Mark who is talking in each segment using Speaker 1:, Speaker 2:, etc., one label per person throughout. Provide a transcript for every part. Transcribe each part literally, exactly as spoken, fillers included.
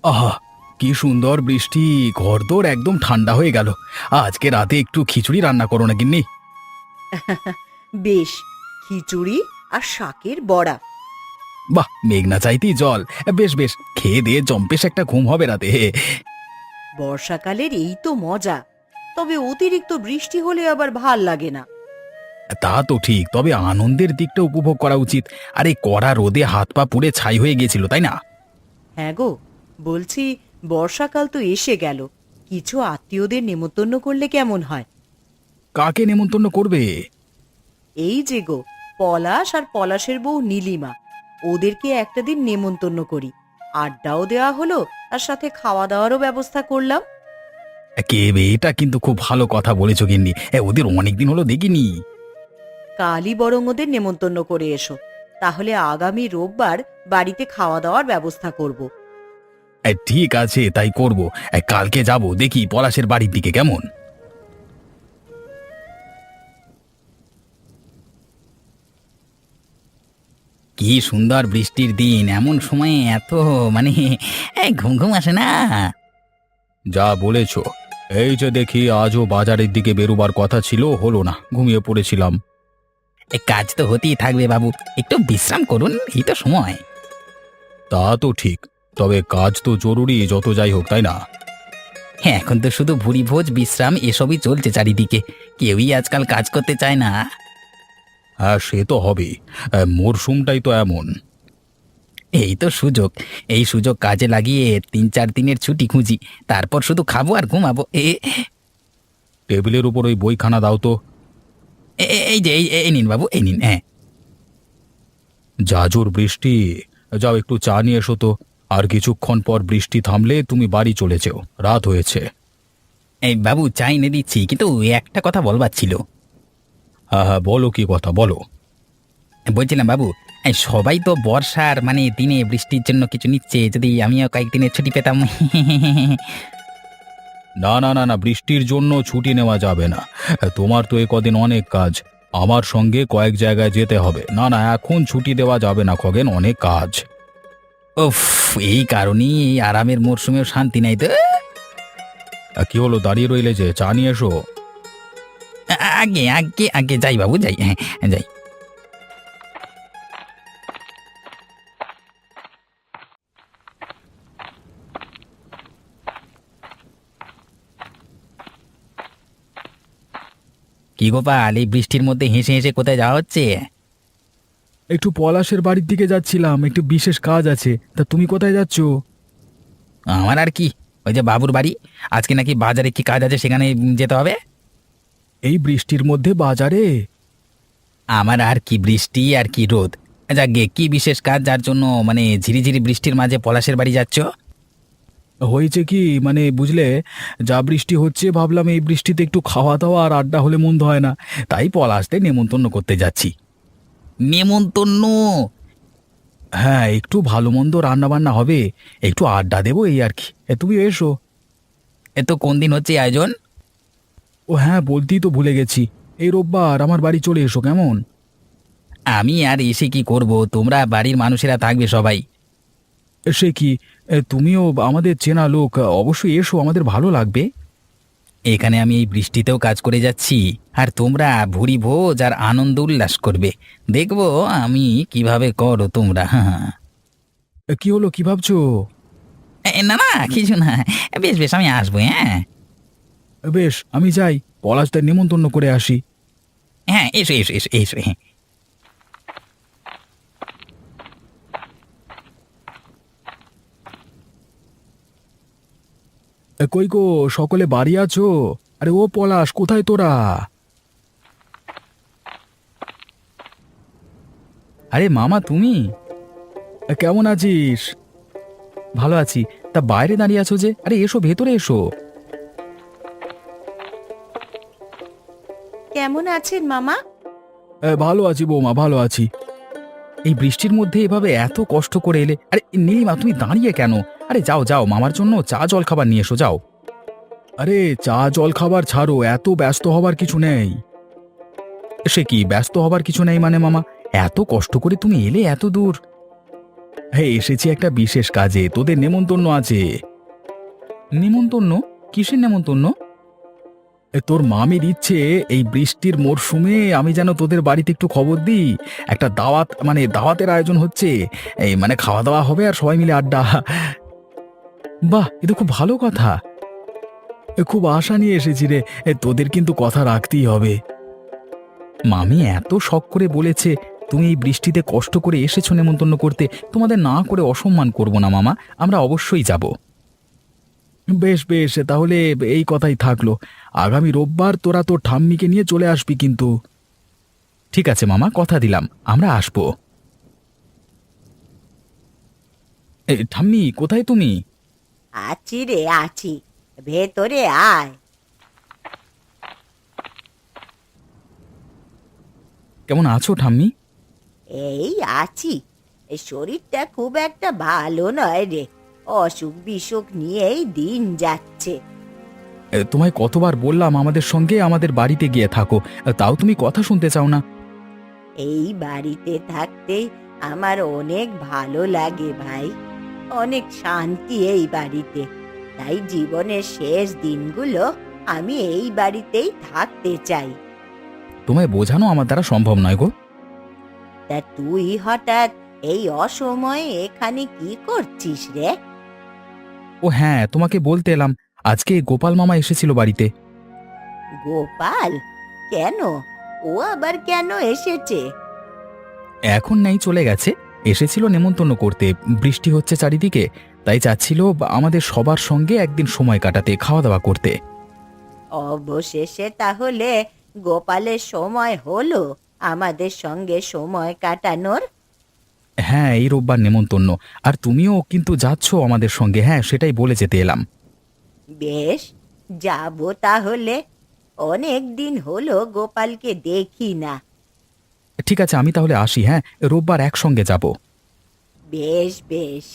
Speaker 1: আহা! কি সুন্দর বৃষ্টি! ঘরদোর একদম ঠান্ডা হয়ে গেল। আজকে রাতে একটু খিচুড়ি রান্না করো না গিন্নি।
Speaker 2: বেশ, খিচুড়ি আর শাকের বড়া।
Speaker 1: বাহ! মেঘ না চাইতেই জল। বেশ বেশ, খেয়ে দিয়ে জম্পেশ একটা ঘুম হবে রাতে।
Speaker 2: বর্ষাকালের এই তো মজা। তবে অতিরিক্ত বৃষ্টি হলে আবার ভাল লাগে না।
Speaker 1: তা তো ঠিক, তবে আনন্দের দিকটা উপভোগ করা উচিত। আরে কড়া রোদে হাত পা পুড়ে ছাই হয়ে গেছিল, তাই না?
Speaker 2: হ্যাঁ গো, বলছি বর্ষাকাল তো এসে গেল, কিছু আত্মীয়দের নেমন্তন্ন করলে কেমন হয়?
Speaker 1: কাকে নেমন্তন্ন করবে?
Speaker 2: এই যে গো, পলাশ আর পলাশের বউ নীলিমা, ওদেরকে একটা দিন নেমন্তন্ন করি। আড্ডাও দেওয়া হলো, আর সাথে খাওয়া দাওয়ারও ব্যবস্থা করলাম।
Speaker 1: কে বে, এটা কিন্তু খুব ভালো কথা বলেছো গিন্নি। এ, ওদের অনেকদিন হলো দেখিনি।
Speaker 2: কালই বরং ওদের নেমন্তন্ন করে এসো, তাহলে আগামী রোববার বাড়িতে খাওয়া দাওয়ার ব্যবস্থা করব।
Speaker 1: এ, ঠিক আছে, তাই করব। এ, কালকে যাব, দেখি পলাশের বাড়ির দিকে কেমন। কি সুন্দর বৃষ্টির দিন, এমন সময়ে এত মানে এই ঘুম ঘুম আসে না। যা বলেছ। এই যে দেখি আজও বাজারের দিকে বেরোবার কথা ছিল, হলো না, ঘুমিয়ে পড়েছিলাম। এই কাজ তো হতেই থাকবে বাবু, একটু বিশ্রাম করুন, এই তো সময়। তা তো ঠিক, তবে কাজ তো জরুরি যত যাই হোক, তাই না? হ্যাঁ, এখন তো শুধু ভুরি ভোজ বিশ্রাম এসবই চলছে চারিদিকে, কেউই আজকাল কাজ করতে চায় না। হ্যাঁ, সে তো হবেই, মরশুমটাই তো এমন। এই তো সুযোগ, এই সুযোগ কাজে লাগিয়ে তিন চার দিনের ছুটি খুঁজি, তারপর শুধু খাবো আর ঘুমাবো। এ টেবিলের উপর ওই বইখানা দাও তো। এ- এ- এই যে এই এই নিন বাবু, এই নিন। হ্যাঁ, যা জোর বৃষ্টি! যাও একটু চা নিয়ে এসো তো। আর কিছুক্ষণ পর বৃষ্টি থামলে তুমি বাড়ি চলে যেও, রাত হয়েছে। এই বাবু, চা এনে দিচ্ছি, কিন্তু একটা কথা বলবার ছিল। হ্যাঁ হ্যাঁ, বলো, কি কথা বলো। বলছিলাম বাবু, এই সবাই তো বর্ষার মানে দিনে বৃষ্টির জন্য কিছু নিচ্ছে, যদি আমিও কয়েকদিনের ছুটি পেতাম। না না না না, বৃষ্টির জন্য ছুটি নেওয়া যাবে না। তোমার তো এ কদিন অনেক কাজ, আমার সঙ্গে কয়েক জায়গায় যেতে হবে। না না, এখন ছুটি দেওয়া যাবে না খগেন, অনেক কাজ। উফ, এই কারণেই এই আরামের মরশুমেও শান্তি নাই তো। কি হলো, দাঁড়িয়ে রইলে যে? চা নিয়ে এসো। আগে আগে আগে যাই বাবু, যাই। হ্যাঁ, যাই। কি গোপাল, এই বৃষ্টির মধ্যে হেসে হেসে কোথায় যাওয়া হচ্ছে?
Speaker 3: একটু পলাশের বাড়ির দিকে যাচ্ছিলাম, একটু বিশেষ কাজ আছে। তা তুমি কোথায় যাচ্ছ?
Speaker 1: আমার আর কি, ওই যে বাবুর বাড়ি। আজকে নাকি বাজারে কি কাজ আছে, সেখানে যেতে হবে।
Speaker 3: এই বৃষ্টির মধ্যে বাজারে?
Speaker 1: আমার আর কি বৃষ্টি আর কি রোদ, যাকে কি বিশেষ কাজ যার জন্য মানে ঝিরিঝিরি বৃষ্টির মাঝে পলাশের বাড়ি যাচ্ছ?
Speaker 3: হয়েছে কি মানে বুঝলে, যা বৃষ্টি হচ্ছে ভাবলাম এই বৃষ্টিতে একটু খাওয়া দাওয়া আর আড্ডা হলে মন্দ হয় না, তাই পলাশতে নেমন্তন্ন করতে যাচ্ছি।
Speaker 1: নেমন্তন্ন?
Speaker 3: হ্যাঁ, একটু ভালো মন্দ রান্না বান্না হবে, একটু আড্ডা দেবো, এই আর কি। এ, তুমি এসো।
Speaker 1: এ তো কোন দিন হচ্ছে আয়োজন?
Speaker 3: ও হ্যাঁ, বলতেই তো ভুলে গেছি, এই রোববার আমার বাড়ি চলে এসো, কেমন?
Speaker 1: আমি আর এসে কি করব, তোমরা বাড়ির মানুষেরা থাকবে সবাই।
Speaker 3: সে কি, এ, তুমিও আমাদের চেনা লোক, অবশ্যই এসো, আমাদের ভালো লাগবে।
Speaker 1: এখানে আমি এই বৃষ্টিতেও কাজ করে যাচ্ছি, আর তোমরা ভুরি ভোজ আর আনন্দ উল্লাস করবে, দেখবো আমি কিভাবে করো তোমরা। হ্যাঁ।
Speaker 3: এ, কি হলো, কি ভাবছো?
Speaker 1: এ, না না, কিছু না। বেশ বেশ, আমি আসবো। হ্যাঁ
Speaker 3: বেশ, আমি যাই, পলাশদের নেমন্তন্ন করে আসি।
Speaker 1: হ্যাঁ, এসো এসো এসো এসো। হ্যাঁ,
Speaker 3: এ, কই গো, সকলে বাড়ি আছো? আরে ও পলাশ, কোথায় তোরা? আরে মামা, তুমি এ, কেমন আছিস? ভালো আছি। তা বাইরে দাঁড়িয়ে আছো যে? আরে এসো, ভেতরে এসো।
Speaker 2: কেমন আছেন মামা?
Speaker 3: এ, ভালো আছি বৌমা, ভালো আছি। এই বৃষ্টির মধ্যে এভাবে এত কষ্ট করে এলে? আরে নীলিমা, তুমি দাঁড়িয়ে কেন? আরে যাও যাও, মামার জন্য চা জল খাবার নিয়ে এসো, যাও। আরে চা জল খাবার ছাড়ো, এত ব্যস্ত হবার কিছু নেই। সে কি ব্যস্ত হবার কিছু নেই মানে মামা? এত কষ্ট করে তুমি এলে এত দূর। হ্যাঁ, এসেছি একটা বিশেষ কাজে, তোদের নেমন্তন্ন আছে। নেমন্তন্ন? কিসের নেমন্তন্ন? এ, তোর মামির ইচ্ছে এই বৃষ্টির মরশুমে আমি যেন তোদের বাড়িতে একটু খবর দিই। একটা দাওয়াত, মানে দাওয়াতের আয়োজন হচ্ছে। এই মানে খাওয়া দাওয়া হবে আর সবাই মিলে আড্ডা। বাহ, এ তো খুব ভালো কথা। এ, খুব আশা নিয়ে এসেছি রে। এ, তোদের কিন্তু কথা রাখতেই হবে। মামি এত শখ করে বলেছে, তুমি এই বৃষ্টিতে কষ্ট করে এসেছো নেমন্তন্ন করতে, তোমাদের না করে অসম্মান করব না মামা। আমরা অবশ্যই যাব। বেশ বেশ, তাহলে এই কথাই থাকলো। আগামী রোববার তোরা তোর ঠাম্মিকে নিয়ে চলে আসবি কিন্তু। ঠিক আছে মামা, কথা দিলাম, আমরা আসবো। এ, ঠাম্মি কোথায় তুমি?
Speaker 2: আছি রে আছি, ভেতরে আয়।
Speaker 3: কেমন আছো ঠাম্মি?
Speaker 2: এই আছি। এই শরীরটা খুব একটা ভালো নয় রে, অসুখ বিসুখ নিয়েই দিন যাচ্ছে।
Speaker 3: এ, তোমায় কতবার বললাম আমাদের সঙ্গে আমাদের বাড়িতে গিয়ে থাকো, তাও তুমি কথা শুনতে চাও না।
Speaker 2: এই বাড়িতে থাকতেই আমার অনেক ভালো লাগে ভাই, অনেক শান্তি এই বাড়িতে। তাই জীবনের শেষ দিনগুলো আমি এই বাড়িতেই থাকতে চাই।
Speaker 3: তোমায় বোঝানো আমার দ্বারা সম্ভব নয় গো।
Speaker 2: তা তুই হঠাৎ এই অসময়ে এখানে কি করছিস রে?
Speaker 3: ও হ্যাঁ, তোমাকে বলতে এলাম, আজকে গোপাল মামা এসেছিল বাড়িতে।
Speaker 2: গোপাল? কেন? ও আবার কেন এসেছে?
Speaker 3: এখন নেই, চলে গেছে। এসেছিল নেমন্তন্ন করতে, বৃষ্টি হচ্ছে চারিদিকে, তাই চাচ্ছিল আমাদের সবার সঙ্গে একদিন সময় কাটাতে, খাওয়া দাওয়া করতে।
Speaker 2: অবশেষে তাহলে গোপালের সময় হলো আমাদের সঙ্গে সময় কাটানোর।
Speaker 3: হ্যাঁ, এই রোববার নেমন্তন্ন, আর তুমিও কিন্তু যাচ্ছ আমাদের সঙ্গে। হ্যাঁ, সেটাই বলে যেতে এলাম।
Speaker 2: বেশ, যাব তাহলে। অনেক দিন হলো গোপালকে দেখি না।
Speaker 3: ঠিক আছে, আমি তাহলে আসি। হ্যাঁ, রোববার একসঙ্গে যাব।
Speaker 2: বেশ বেশ।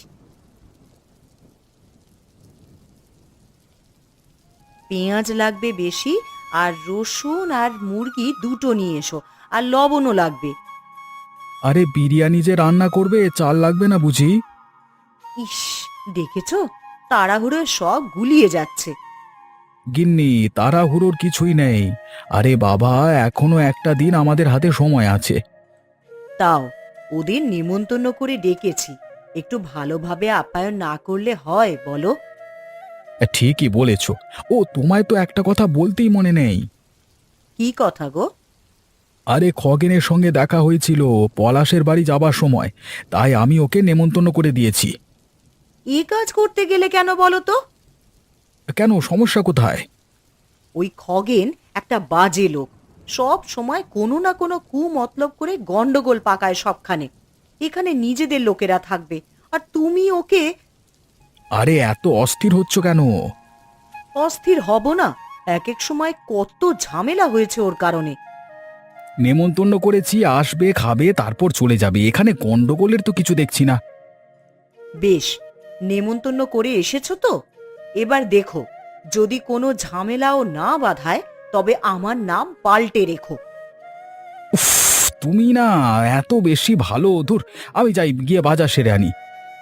Speaker 2: পেঁয়াজ লাগবে বেশি, আর রসুন আর মুরগি দুটো নিয়ে এসো, আর লবণও লাগবে।
Speaker 3: আরে বিরিয়ানি যে রান্না করবে, চাল লাগবে না বুঝি?
Speaker 2: ইস, দেখেছো, তাড়াহুড়োয় সব গুলিয়ে যাচ্ছে।
Speaker 3: গিন্নি, তাড়াহুড়োর কিছুই নেই। আরে বাবা, এখনো একটা দিন আমাদের হাতে সময় আছে।
Speaker 2: তাও ওদের নিমন্ত্রণ করে ডেকেছি, একটু ভালোভাবে আপ্যায়ন না করলে হয় বলো?
Speaker 3: ঠিকই বলেছ। ও, তোমায় তো একটা কথা বলতেই মনে নেই।
Speaker 2: কি কথা গো?
Speaker 3: আরে খগেনের সঙ্গে দেখা হয়েছিল পলাশের বাড়ি যাবার সময়, তাই আমি ওকে নেমন্তন্ন করে দিয়েছি।
Speaker 2: এই কাজ করতে গেলে কেন বলো তো?
Speaker 3: কেন, সমস্যা কোথায়?
Speaker 2: ওই খগেন একটা বাজে লোক, সব সময় কোনো না কোনো কু মতলব করে গন্ডগোল পাকায় সবখানে। এখানে নিজেদের লোকেরা থাকবে, আর তুমি ওকে।
Speaker 3: আরে এত অস্থির হচ্ছ কেন?
Speaker 2: অস্থির হব না? এক এক সময় কত ঝামেলা হয়েছে ওর কারণে।
Speaker 3: নেমন্তন্ন করেছি, আসবে, খাবে, তারপর চলে যাবে। এখানে গন্ডগোলের তো কিছু দেখছি না।
Speaker 2: বেশ, নেমন্তন্ন করে এসেছো তো, এবার দেখো, যদি কোনো ঝামেলাও না বাধায় তবে আমার নাম পাল্টে রেখো।
Speaker 3: উফ, তুমি না এত বেশি ভালো। ধুর, আমি যাই, গিয়ে বাজার সেরে আনি।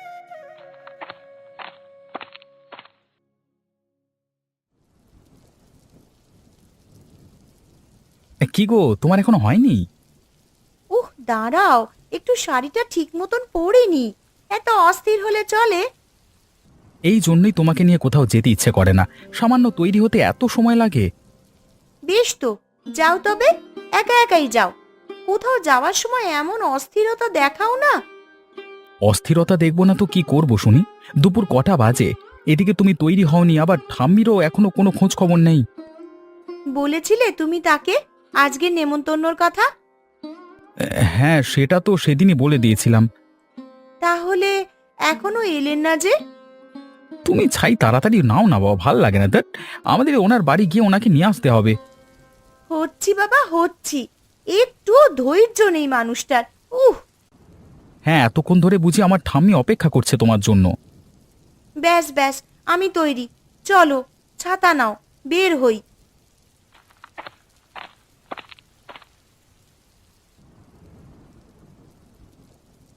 Speaker 3: কি গো, তোমার এখনো হয়নি?
Speaker 2: উহ, দাঁড়াও, একটু শাড়িটা ঠিক মতন পরিনি। এত অস্থির হলে চলে?
Speaker 3: এই জন্যই তোমাকে নিয়ে কোথাও যেতে ইচ্ছে করে না। সামান্য তৈরি হতে এত সময় লাগে।
Speaker 2: বেশ তো, যাও তবে, একা একাই যাও। কোথাও যাওয়ার সময় এমন অস্থিরতা দেখাও না।
Speaker 3: অস্থিরতা দেখব না তো কি করব শুনি? দুপুর কটা বাজে, এদিকে তুমি তৈরি হওনি, আবার ঠাম্মিরও এখনো কোনো খোঁজ খবর নেই।
Speaker 2: বলেছিলে তুমি তাকে আজকে নেমন্তন্নর কথা?
Speaker 3: হ্যাঁ, সেটা তো সেদিনই বলে দিয়েছিলাম।
Speaker 2: তাহলে এখনো এলেন না যে?
Speaker 3: তুমি ছাই তাড়াতাড়ি নাও না বাবা, ভাল লাগে না। দ্যাট, আমাদের ওনার বাড়ি গিয়ে ওনাকে নিয়ে আসতে হবে।
Speaker 2: হচ্ছি বাবা, হচ্ছি। একটুও ধৈর্য নেই মানুষটার। উহ।
Speaker 3: হ্যাঁ, এতক্ষণ ধরে বুঝি আমার ঠাম্মি অপেক্ষা করছে তোমার জন্য।
Speaker 2: ব্যাস ব্যাস, আমি তৈরি। চলো, ছাতা নাও, বের হই।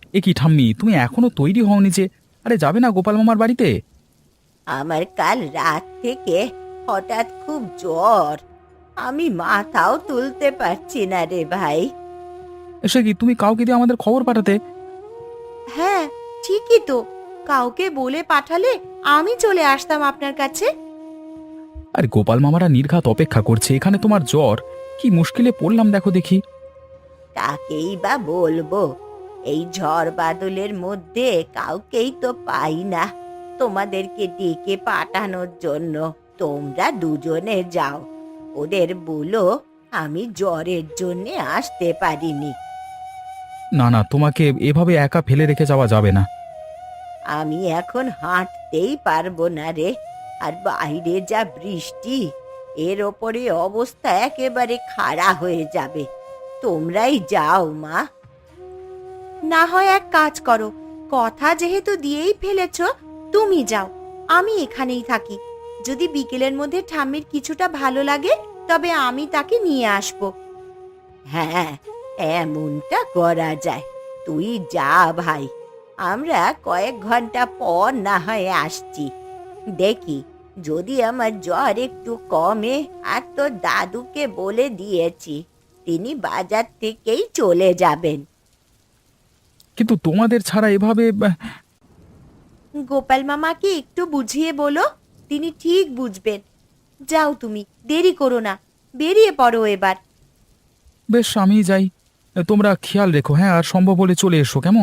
Speaker 3: এ কি ঠাম্মি, তুমি এখনো তৈরি হওনি যে? আরে যাবে না গোপাল মামার বাড়িতে?
Speaker 2: আমার কাল রাত থেকে হঠাৎ খুব জ্বর, আমি মাথাও তুলতে পারছি না রে ভাই।
Speaker 3: সে কি, তুমি কাউকে দিয়ে আমাদের খবর পাঠাতে?
Speaker 2: হ্যাঁ, ঠিকই তো, কাউকে বলে পাঠালে আমি চলে আসতাম আপনার কাছে।
Speaker 3: আরে গোপাল মামারা নির্ঘাত অপেক্ষা করছে, এখানে তোমার জ্বর, কি মুশকিলে পড়লাম দেখো দেখি।
Speaker 2: কাকেই বা বলবো, এই ঝড় বাদলের মধ্যে কাউকেই তো পাই না তোমাদেরকে ডেকে পাঠানোর জন্য। তোমরা দুজনে যাও, ওদের বলো আমি জ্বরের জন্য আসতে পারিনি।
Speaker 3: না না, তোমাকে এভাবে একা ফেলে রেখে যাওয়া যাবে না।
Speaker 2: আমি এখন হাঁটতেই পারবো না রে, আর বাইরে যা বৃষ্টি, এর ওপরে অবস্থা একেবারে খাড়া হয়ে যাবে। তোমরাই যাও মা। না হয় এক কাজ করো, কথা যেহেতু দিয়েই ফেলেছ, তুমি যাও, আমি এখানেই থাকি। যদি বিকেলের মধ্যে ঠাম্মির কিছুটা ভালো লাগে তবে আমি তাকে নিয়ে আসব। হ্যাঁ, এমনটা করা যায়। তুই যা ভাই, আমরা কয়েক ঘন্টা পর না হয় আসছি। দেখি যদি আমার জ্বর একটু কমে। আর তোর দাদুকে বলে দিয়েছি, তিনি বাজার থেকেই চলে যাবেন।
Speaker 3: কিন্তু তোমাদের ছাড়া এভাবে আহ,
Speaker 2: গোপাল মামাকে একটু বুঝিয়ে বলো, তিনি ঠিক বুঝবেন। যাও তুমি, দেরি করো না, বেরিয়ে পড়ো এবার।
Speaker 3: বেশ, আমি যাই। তোমরা খেয়াল রেখো, হ্যাঁ, আর সম্ভব হলে চলে এসো, কেমন?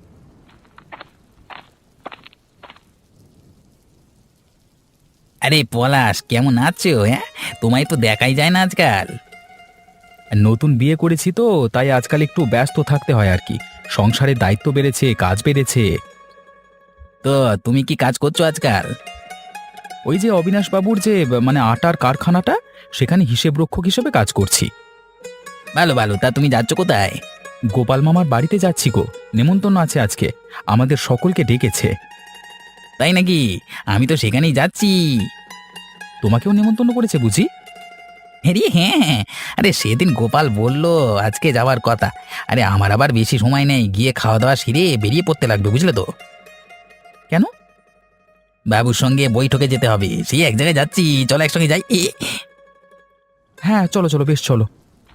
Speaker 1: আরে পলাশ, কেমন আছো? হ্যাঁ, তোমায় তো দেখাই যায় না আজকাল।
Speaker 3: নতুন বিয়ে করেছি তো, তাই আজকাল একটু ব্যস্ত থাকতে হয় আর কি। সংসারের দায়িত্ব বেড়েছে, কাজ বেড়েছে।
Speaker 1: তো তুমি কি কাজ করছো আজকাল?
Speaker 3: ওই যে অবিনাশ বাবুর যে মানে আটার কারখানাটা, সেখানে হিসেব রক্ষক হিসেবে কাজ করছি।
Speaker 1: ভালো ভালো, তা তুমি যাচ্ছ কোথায়?
Speaker 3: গোপাল মামার বাড়িতে যাচ্ছি গো, নেমন্তন্ন আছে আজকে, আমাদের সকলকে ডেকেছে।
Speaker 1: তাই নাকি? আমি তো সেখানেই যাচ্ছি।
Speaker 3: তোমাকেও নেমন্তন্ন করেছে বুঝি?
Speaker 1: আরে হ্যাঁ, আরে সেদিন গোপাল বলল আজকে যাওয়ার কথা। আরে আমার আবার বেশি সময় নেই, গিয়ে খাওয়া দাওয়া সেরে বেরিয়ে পড়তে লাগবে, বুঝলে তো?
Speaker 3: কেন?
Speaker 1: বাবুর সঙ্গে বৈঠকে যেতে হবে, সেই এক জায়গায় যাচ্ছি, চলো একসঙ্গে যাই। এ,
Speaker 3: হ্যাঁ, চলো চলো, বেশ চলো।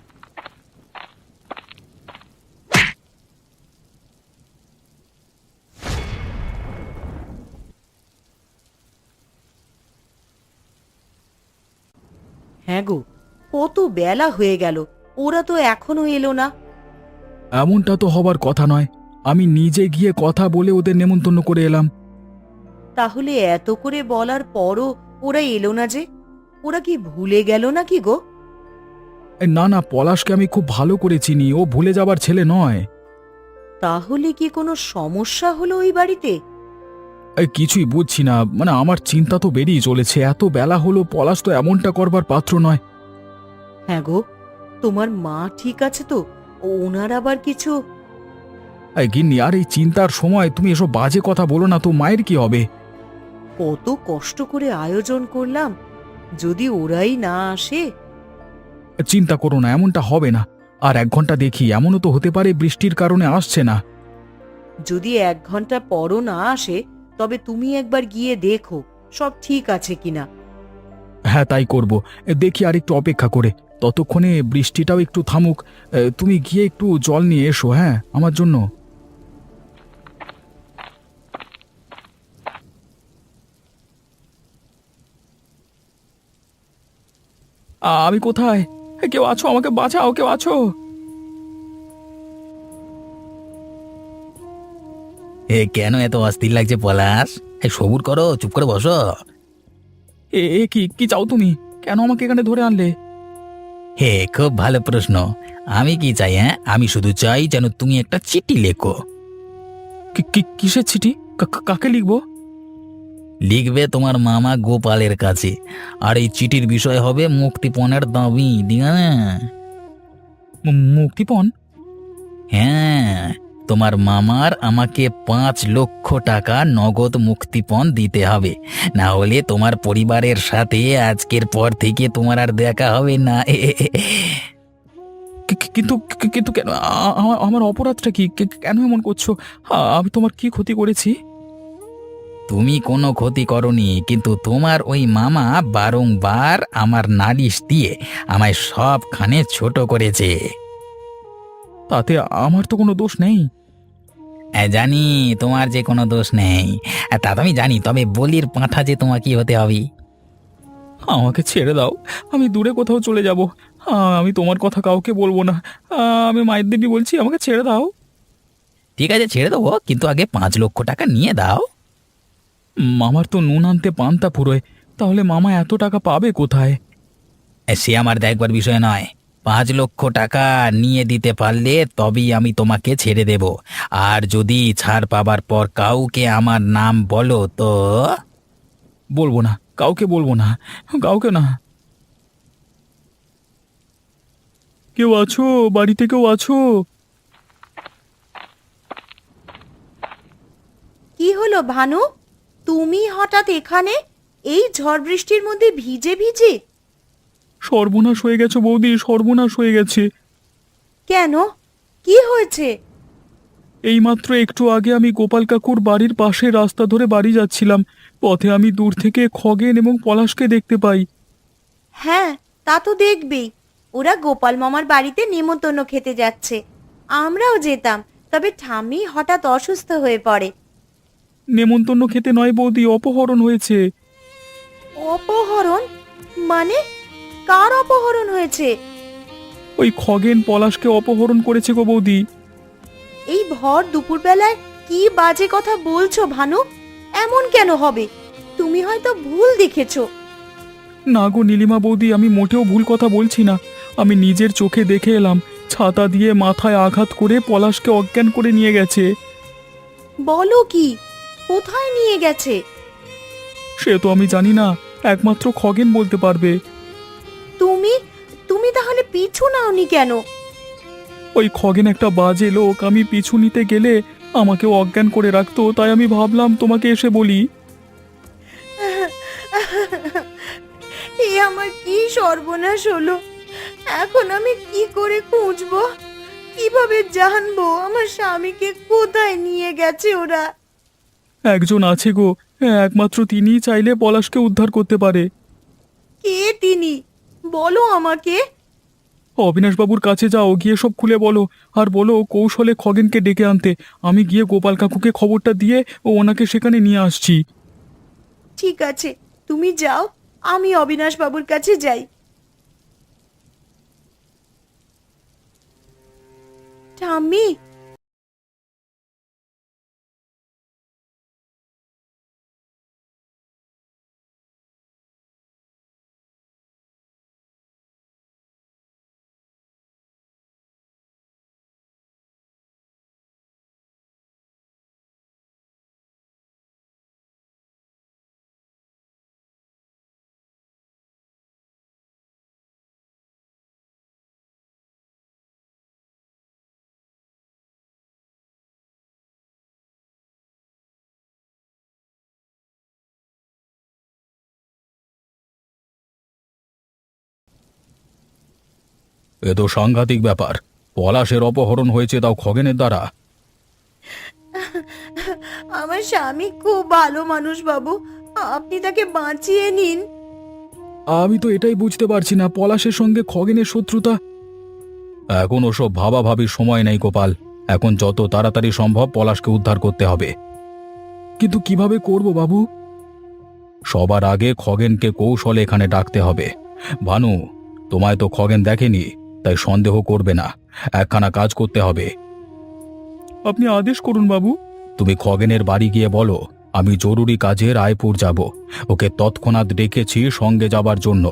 Speaker 2: হ্যাঁ গো, কত বেলা হয়ে গেল, ওরা তো এখনো এলো না।
Speaker 3: এমনটা তো হবার কথা নয়, আমি নিজে গিয়ে কথা বলে ওদের নেমন্তন্ন করে এলাম।
Speaker 2: তাহলে এত করে বলার পরও ওরা এলো না যে? ওরা কি ভুলে গেল নাকি গো?
Speaker 3: এ, না না, পলাশকে আমি খুব ভালো করে চিনি, ও ভুলে যাবার ছেলে নয়।
Speaker 2: তাহলে কি কোনো সমস্যা হলো ওই বাড়িতে?
Speaker 3: এই কিছুই বুঝছি না, মানে আমার চিন্তা তো বেরিয়ে চলেছে, এত বেলা হলো, পলাশ তো এমনটা করবার পাত্র নয়।
Speaker 2: হ্যাঁ গো, তোমার মা ঠিক আছে তো? ওনার আবার কিছু?
Speaker 3: এই গিন্নি, আর এই চিন্তার সময় তুমি এসব বাজে কথা বলো না তো, মায়ের কি হবে?
Speaker 2: কত কষ্ট করে আয়োজন করলাম, যদি ওরাই না আসে?
Speaker 3: চিন্তা করো না, এমনটা হবে না। আর এক ঘন্টা দেখি, এমনও তো হতে পারে বৃষ্টির কারণে আসছে না।
Speaker 2: যদি এক ঘন্টা পরও না আসে, তবে তুমি একবার গিয়ে দেখো সব ঠিক আছে কিনা।
Speaker 3: হ্যাঁ, তাই করব। এ, দেখি আর একটু অপেক্ষা করে, ততক্ষণে বৃষ্টিটাও একটু থামুক। এ, তুমি গিয়ে একটু জল নিয়ে এসো, হ্যাঁ, আমার জন্য। আ, আমি কোথায়? এ, কেউ আছো? আমাকে বাঁচাও, কেউ আছো?
Speaker 1: এ কেন এত অস্থির লাগছে পলাশ? এই সবুর করো, চুপ করে বসো।
Speaker 3: এ এ কি কি চাও তুমি? কেন আমাকে এখানে ধরে আনলে?
Speaker 1: হে, খুব ভালো প্রশ্ন। আমি কি চাই? হ্যাঁ, আমি শুধু চাই যেন তুমি একটা চিঠি লেখো।
Speaker 3: কি- কি- কিসের চিঠি? কা- কা- কাকে লিখবো?
Speaker 1: লিখবে তোমার মামা গোপালের কাছে, আর এই চিঠির বিষয় হবে মুক্তিপণের দাবি দিয়া।
Speaker 3: মু- মুক্তিপণ?
Speaker 1: হ্যাঁ, তোমার মামার আমাকে পাঁচ লক্ষ টাকা নগদ মুক্তিপণ দিতে হবে, না হলে তোমার পরিবারের সাথে আজকের পর থেকে তোমার আর দেখা হবে না।
Speaker 3: কি কি- কি- কিন্তু কি- কিন্তু কেন আ- আমার আমার অপরাধটা কি কে- কেন এমন করছো? আ- আমি তোমার কি ক্ষতি করেছি?
Speaker 1: তুমি কোনো ক্ষতি করনি, কিন্তু তোমার ওই মামা বারংবার আমার নালিশ দিয়ে আমায় সবখানে ছোট করেছে।
Speaker 3: তাতে আমার তো কোনো দোষ নেই।
Speaker 1: হ্যাঁ, জানি তোমার যে কোনো দোষ নেই। আর তা তো আমি জানি, তবে বলির পাঁঠা যে তোমাকে হতে হবে।
Speaker 3: আমাকে ছেড়ে দাও, আমি দূরে কোথাও চলে যাব। আ, আমি তোমার কথা কাউকে বলবো না। আ, আমি মায়ের দিব্যি বলছি, আমাকে ছেড়ে দাও।
Speaker 1: ঠিক আছে, ছেড়ে দেবো, কিন্তু আগে পাঁচ লক্ষ টাকা নিয়ে দাও।
Speaker 3: মামার তো নুন আনতে পান্তা ফুরোয়, তাহলে মামা এত টাকা পাবে কোথায়?
Speaker 1: এ, সে আমার দেখবার বিষয় নয়। পাঁচ লক্ষ টাকা নিয়ে দিতে পারলে তবেই আমি তোমাকে ছেড়ে দেব। আর যদি ছাড় পাবার পর কাউকে আমার নাম বলো তো।
Speaker 3: বলবো না, কাউকে বলবো না, কাউকে না। কেউ আছো? বাড়িতে কেউ আছো?
Speaker 2: কি হলো ভানু, তুমি হঠাৎ এখানে এই ঝড় বৃষ্টির মধ্যে ভিজে ভিজে?
Speaker 3: সর্বনাশ হয়ে গেছে বৌদি, সর্বনাশ হয়ে গেছে।
Speaker 2: কেন, কি হয়েছে?
Speaker 3: এইমাত্র একটু আগে আমি গোপাল কাকুর বাড়ির পাশে রাস্তা ধরে বাড়ি যাচ্ছিলাম। পথে আমি দূর থেকে খগেন এবং পলাশকে দেখতে পাই।
Speaker 2: হ্যাঁ, তা তো দেখবেই। ওরা গোপাল মামার বাড়িতে নেমন্তন্ন খেতে যাচ্ছে। আমরাও যেতাম, তবে ঠাম্মি হঠাৎ অসুস্থ হয়ে পড়ে।
Speaker 3: নেমন্তন্ন খেতে নয় বৌদি, অপহরণ হয়েছে।
Speaker 2: অপহরণ? মানে কার অপহরণ হয়েছে?
Speaker 3: ওই খগেন পলাশকে অপহরণ করেছে গো বৌদি।
Speaker 2: এই ভর দুপুরবেলায় কি বাজে কথা বলছো ভানু? এমন কেন হবে? তুমি হয়তো ভুল দেখেছো।
Speaker 3: না গো নীলিমা বৌদি, আমি মোটেও ভুল কথা বলছি না। আমি নিজের চোখে দেখে এলাম, ছাতা দিয়ে মাথায় আঘাত করে পলাশকে অজ্ঞান করে নিয়ে গেছে।
Speaker 2: বলো কি? কোথায় নিয়ে গেছে?
Speaker 3: সে তো আমি জানি না, একমাত্র খগেন বলতে পারবে।
Speaker 2: তুমি তুমি তাহলে পিছু নাওনি কেন?
Speaker 3: ওই খগেন একটা বাজে লোক, আমি পিছু নিতে গেলে আমাকেও অজ্ঞান করে রাখতো, তাই আমি ভাবলাম তোমাকে এসে বলি।
Speaker 2: এ আমার কি সর্বনাশ হলো! এখন আমি কি করে খুঁজবো? কিভাবে জানবো আমার স্বামীকে কোথায় নিয়ে গেছে ওরা?
Speaker 3: একজন আছে গো, একমাত্র তিনিই চাইলে পলাশকে উদ্ধার করতে পারে।
Speaker 2: কে তিনি? বলো আমাকে।
Speaker 3: অবিনাশবাবুর কাছে যাও, গিয়ে সব খুলে বলো। আর বলো কৌশলে খগেনকে ডেকে আনতে। আমি গিয়ে গোপাল কাকুকে খবরটা দিয়ে ও ওনাকে সেখানে নিয়ে আসছি।
Speaker 2: ঠিক আছে, তুমি যাও, আমি অবিনাশ বাবুর কাছে যাই। ঠাম্মি,
Speaker 3: এ তো সাংঘাতিক ব্যাপার। পলাশের অপহরণ হয়েছে, তাও খগেনের দ্বারা।
Speaker 2: আমার স্বামী খুব ভালো মানুষ বাবু, আপনি তাকে বাঁচিয়ে নিন।
Speaker 3: আমি তো এটাই বুঝতে পারছি না, পলাশের সঙ্গে খগেনের শত্রুতা। এখন ওসব ভাবা ভাবির সময় নেই গোপাল। এখন যত তাড়াতাড়ি সম্ভব পলাশকে উদ্ধার করতে হবে। কিন্তু কিভাবে করব বাবু? সবার আগে খগেনকে কৌশলে এখানে ডাকতে হবে। ভানু, তোমায় তো খগেন দেখেনি, তাই সন্দেহ করবে না। একখানা কাজ করতে হবে। আপনি আদেশ করুন বাবু। তুমি খগেনের বাড়ি গিয়ে বলো আমি জরুরি কাজে রায়পুর যাব। ওকে তৎক্ষণাৎ ডেকেছি সঙ্গে যাবার জন্য।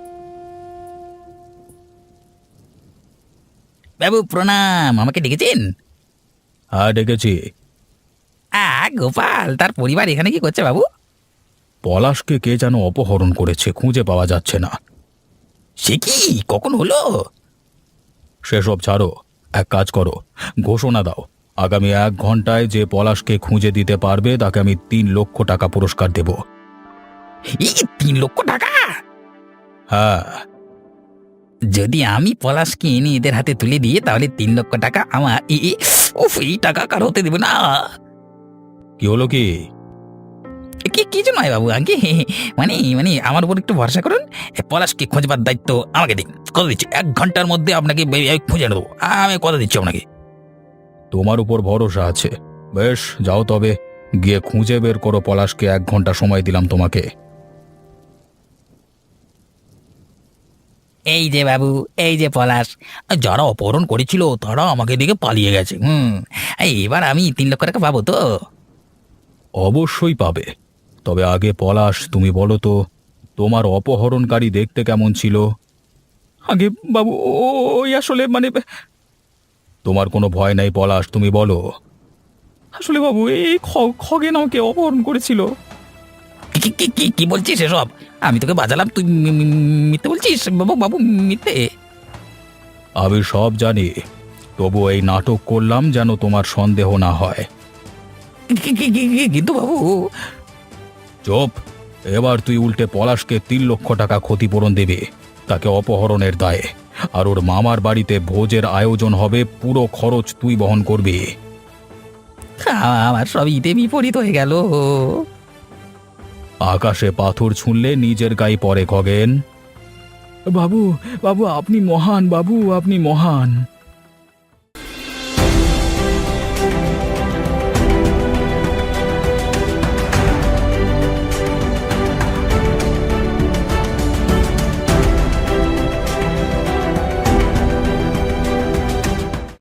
Speaker 1: বাবু প্রণাম, আমাকে ডেকেছেন?
Speaker 3: হ্যাঁ ডেকেছি।
Speaker 1: আ গোপাল, তার পরিবার এখানে কি করছে বাবু?
Speaker 3: পলাশকে কে যেন অপহরণ করেছে, খুঁজে পাওয়া যাচ্ছে না।
Speaker 1: সে কি, কখন হলো?
Speaker 3: সেসব ছাড়ো, এক কাজ করো, ঘোষণা দাও আগামী এক ঘন্টায় যে পলাশকে খুঁজে দিতে পারবে তাকে আমি তিন লক্ষ টাকা পুরস্কার দেব।
Speaker 1: এই তিন লক্ষ টাকা?
Speaker 3: হ্যাঁ।
Speaker 1: যদি আমি পলাশকে এনে এদের হাতে তুলে দিয়ে তাহলে তিন লক্ষ টাকা আমার এ এ, উফ এই টাকা কার হতে দেবে না।
Speaker 3: কি হলো কি?
Speaker 1: কি কিছু নয় বাবু, আগে মানে মানে আমার উপর একটু ভরসা করুন। এ পলাশকে খোঁজবার দায়িত্ব আমাকে দিন, কথা দিচ্ছি এক ঘন্টার মধ্যে আপনাকে বে- আমি খুঁজে নেবো, আমি কথা দিচ্ছি আপনাকে।
Speaker 3: তোমার উপর ভরসা আছে, বেশ যাও তবে, গিয়ে খুঁজে বের করো পলাশকে। এক ঘন্টা সময় দিলাম তোমাকে।
Speaker 1: এই যে বাবু, এই যে পলাশ, যারা অপহরণ করেছিল তারা আমাকে দেখে পালিয়ে গেছে। হুম, এই এবার আমি তিন লক্ষ টাকা পাবো তো?
Speaker 3: অবশ্যই পাবে, তবে আগে পলাশ তুমি বলো তো, তোমার অপহরণকারী দেখতে কেমন ছিল? আগে বাবু ওই আসলে মানে, তোমার কোনো ভয় নাই পলাশ, তুমি বলো। আসলে বাবু এই খগেন আমাকে অপহরণ করেছিল।
Speaker 1: কি কি কি কি বলছিস এসব? আমি তোকে বাজালাম, তুই মি- মি- মিথ্যে বলছিস বাবু, বাবু মিথ্যে।
Speaker 3: আমি সব জানি, তবু এই নাটক করলাম যেন তোমার সন্দেহ না হয়।
Speaker 1: কি- কি- কি- কি- কিন্তু বাবু,
Speaker 3: চুপ, এবার তুই উল্টে পলাশকে তিন লক্ষ টাকা ক্ষতিপূরণ দেবে, তাকে অপহরণের দায়ে। আর ওর মামার বাড়িতে ভোজের আয়োজন হবে, পুরো খরচ তুই বহন করবি।
Speaker 1: আমার সব ইতে বিপরীত হয়ে গেল।
Speaker 3: আকাশে পাথর ছুঁড়লে নিজের গায়ে পড়ে খগেন। বাবু বাবু আপনি মহান, বাবু আপনি মহান।